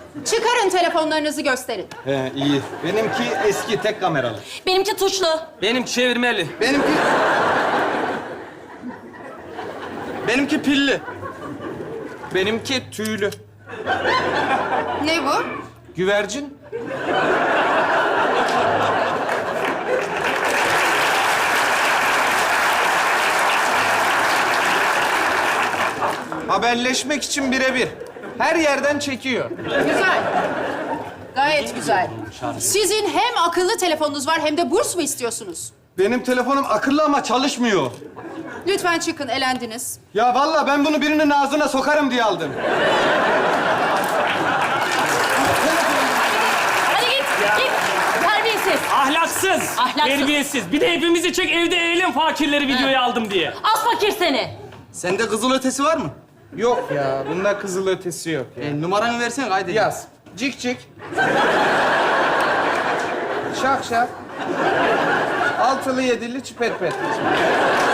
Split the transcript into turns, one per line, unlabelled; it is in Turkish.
Çıkarın telefonlarınızı gösterin.
He, iyi. Benimki eski, tek kameralı.
Benimki tuşlu.
Benimki çevirmeli.
Benimki pilli. Benimki tüylü.
Ne bu?
Güvercin. Haberleşmek için birebir. Her yerden çekiyor.
Güzel. Gayet güzel. Sizin hem akıllı telefonunuz var hem de burs mu istiyorsunuz?
Benim telefonum akıllı ama çalışmıyor.
Lütfen çıkın, elendiniz.
Ya vallahi ben bunu birinin ağzına sokarım diye aldım.
Hadi git, git. Terbiyesiz.
Ahlaksız,
Ahlaksız.
terbiyesiz. Bir de hepimizi çek evde eğlen fakirleri videoya aldım diye.
Az fakir seni.
Sende kızıl ötesi var mı?
Yok ya, bunda kızıl ötesi yok ya.
Numaranı versene kaydedeyim.
Yaz. Cik cik. Şak şak. Altılı yedili çipet pet.